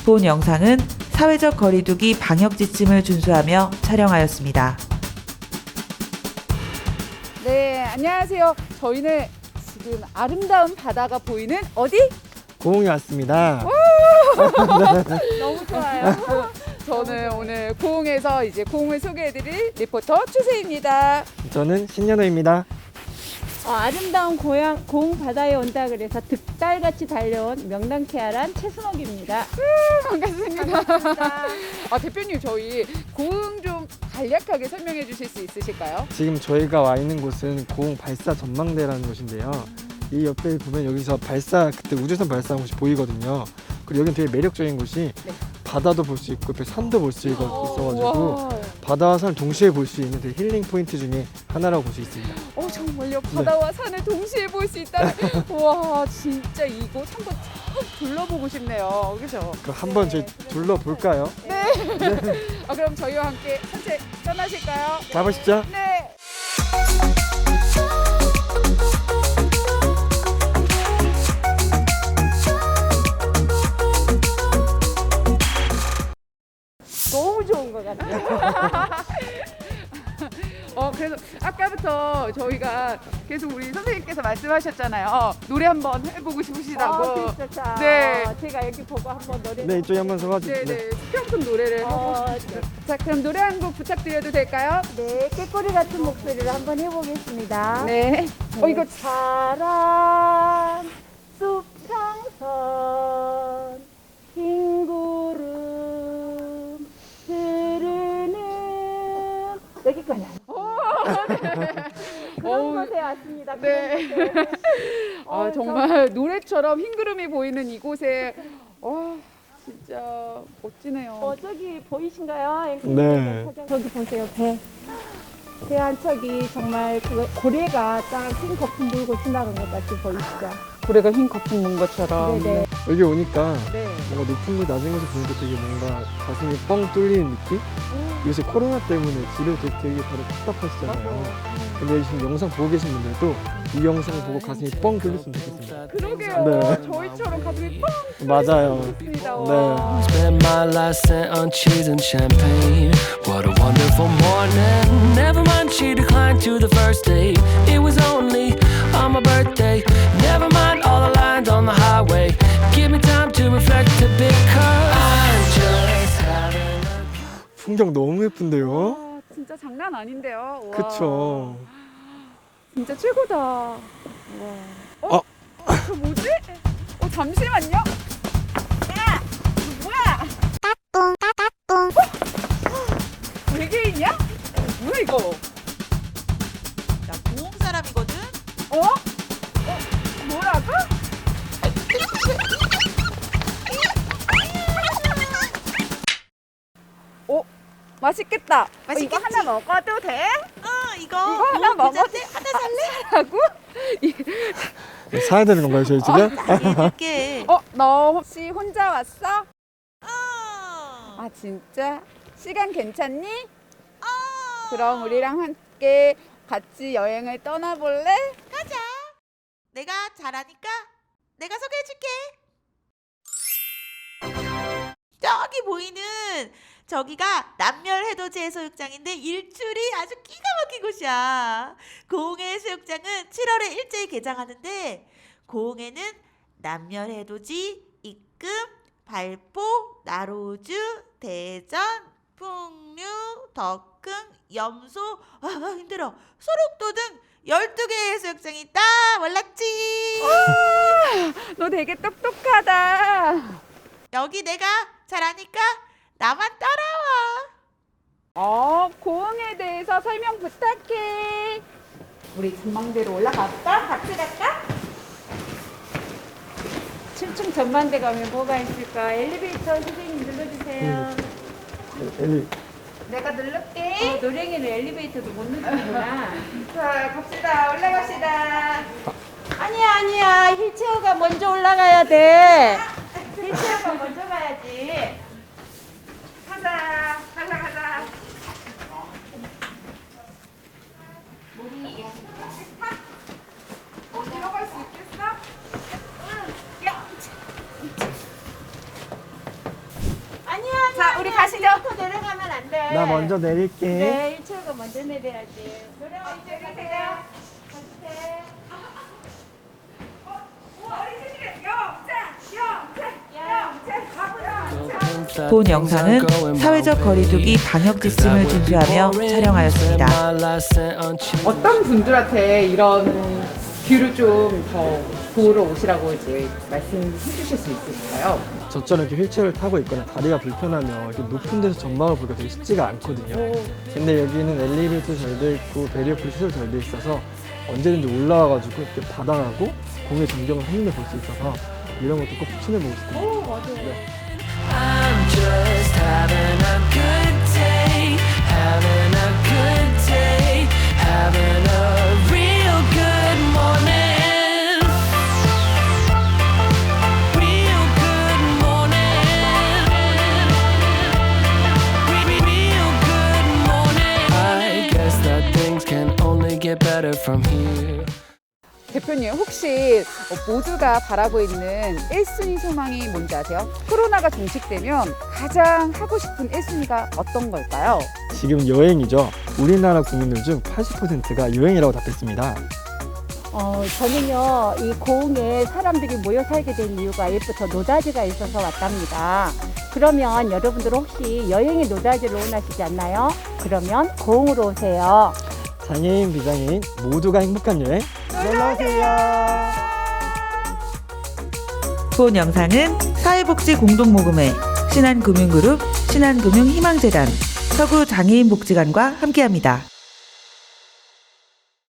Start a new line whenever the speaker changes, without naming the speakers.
본 영상은 사회적 거리두기 방역 지침을 준수하며 촬영하였습니다.
네, 안녕하세요. 저희는 지금 아름다운 바다가 보이는 어디?
고흥에 왔습니다.
너무 좋아요. 저는 오늘 고흥에서 이제 고흥을 소개해드릴 리포터 추세입니다.
저는 신현우입니다.
아름다운 고흥 바다에 온다 그래서 득달같이 달려온 명랑케아란 최순옥입니다.
반갑습니다. 대표님 저희 고흥 좀 간략하게 설명해 주실 수 있으실까요?
지금 저희가 와 있는 곳은 고흥 발사 전망대라는 곳인데요. 이 옆에 보면 여기서 그때 우주선 발사한 곳이 보이거든요. 그리고 여기는 되게 매력적인 곳이
네.
바다도 볼 수 있고 옆에 산도 볼 수 있어가지고
우와.
바다와 산을 동시에 볼 수 있는 되게 힐링 포인트 중에 하나라고 볼 수 있습니다.
정말요? 바다와 산을 동시에 볼 수 있다는. 와, 진짜 이곳 한번 참 둘러보고 싶네요. 그죠?
그럼 한번 저희 둘러볼까요?
그럼 저희와 함께 산책 떠나실까요?
가보시죠.
네.
너무 좋은 것 같아요.
그래서 아까부터 저희가 계속 우리 선생님께서 말씀하셨잖아요. 노래 한번 해보고 싶으시다고.
진짜.
네.
제가 여기 보고 한번 노래.
네, 이쪽에 한번 서가지고.
네네. 수평선 노래를 해보고 싶어요. 자, 그럼 노래 한 곡 부탁드려도 될까요?
네, 꾀꼬리 같은 목소리를 한번 해보겠습니다.
네. 이거
파란 숲상선 흰 구름 흐르는 여기까지. 그런 곳에 왔습니다.
네.
그런 곳에.
정말 노래처럼 흰 구름이 보이는 이곳에 진짜 멋지네요.
저기 보이신가요?
네.
저기 보세요, 배. 배 한 척이 정말 고래가 딱 흰 거품 물고 지나간 것 같이 보이시죠?
고래가 흰 거품 문 것처럼.
네네.
여기 오니까
네.
뭔가 높은 곳 낮은 곳을 보니까 되게 뭔가 가슴이 뻥 뚫리는 느낌? 요새 코로나 때문에 집에 되게 다들 답답하시잖아요. 근데 지금 영상 보고 계신 분들도 이 영상을 보고 가슴이 뻥 뚫렸으면 좋겠습니다.
그러게요.
네.
저희처럼 가슴이 뻥
맞아요.
뚫립니다.
네.
Spent my last cent on cheese and champagne. What a wonderful morning. Never mind, she declined to the first date. It was only on my birthday. Never mind all the lines on the highway. Give me time to reflect a bit, 'cause I'm just having a
풍경 너무 예쁜데요?
진짜 장난 아닌데요. 와.
그쵸.
진짜 최고다. 와. 저 뭐지? 잠시만요. 야, 너 뭐야? 외계인이야? 뭐야 이거?
나 고흥 사람이거든?
뭐라고? 맛있겠다.
맛있겠지?
이거 하나 먹어도 돼?
이거
하나
고흥
먹어도
부자인데 하나 살래?
라고?
사야 되는 건가요, 저희 지금?
줄게.
너 혹시 혼자 왔어?
어.
진짜? 시간 괜찮니? 그럼 우리랑 함께 같이 여행을 떠나볼래?
가자. 내가 잘하니까 내가 소개해줄게. 저기 보이는 저기가 남멸해돋이 해수욕장인데 일출이 아주 기가 막힌 곳이야. 고흥의 해수욕장은 7월에 일제히 개장하는데 고흥에는 남멸해돋이, 입금, 발포, 나로주, 대전, 풍류, 덕흥, 염소, 힘들어, 소록도 등 12개의 해수욕장이 있다. 몰랐지?
너 되게 똑똑하다.
여기 내가 잘하니까 나만 따라와.
고흥에 대해서 설명 부탁해. 우리 전망대로 올라갈까? 같이 갈까?
7층 전망대 가면 뭐가 있을까? 엘리베이터 선생님 눌러주세요.
내가 누를게.
노랭이는 엘리베이터도 못 누르는구나.
자, 갑시다. 올라갑시다.
아니야. 휠체어가 먼저 올라가야 돼. 휠체어가 먼저 가야지.
가자. 들어갈 수 있겠어?
나 먼저 내릴게.
네, 1차가 먼저 내려야지. 노래가 이제 가세요.
본 영상은 사회적 거리두기 방역 지침을 준수하며 촬영하였습니다.
어떤 분들한테 이런 뷰를 좀 더 보러 오시라고 이제 말씀해 주실 수 있을까요?
저처럼 이렇게 휠체어를 타고 있거나 다리가 불편하면 이렇게 높은 데서 전망을 보기가 되게 쉽지가 않거든요. 근데 여기는 엘리베이터 잘 돼 있고 베리어풀 시설 잘 돼 있어서 언제든지 올라와가지고 이렇게 바다하고 공의 전경을 한눈에 볼 수 있어서 이런 것도 꼭 추천해보고 싶습니다.
I'm just having a good day, having a good day, having a real good morning, real good morning, real good morning. I guess that things can only get better from here.
대표님 혹시 모두가 바라고 있는 1순위 소망이 뭔지 아세요? 코로나가 종식되면 가장 하고 싶은 1순위가 어떤 걸까요?
지금 여행이죠. 우리나라 국민들 중 80%가 여행이라고 답했습니다.
저는요, 이 고흥에 사람들이 모여 살게 된 이유가 옛부터 노다지가 있어서 왔답니다. 그러면 여러분들 혹시 여행의 노다지를 원하시지 않나요? 그러면 고흥으로 오세요.
장애인, 비장애인 모두가 행복한 여행 놀러오세요.
본 영상은 사회복지공동모금회 신한금융그룹, 신한금융희망재단, 서구장애인복지관과 함께합니다.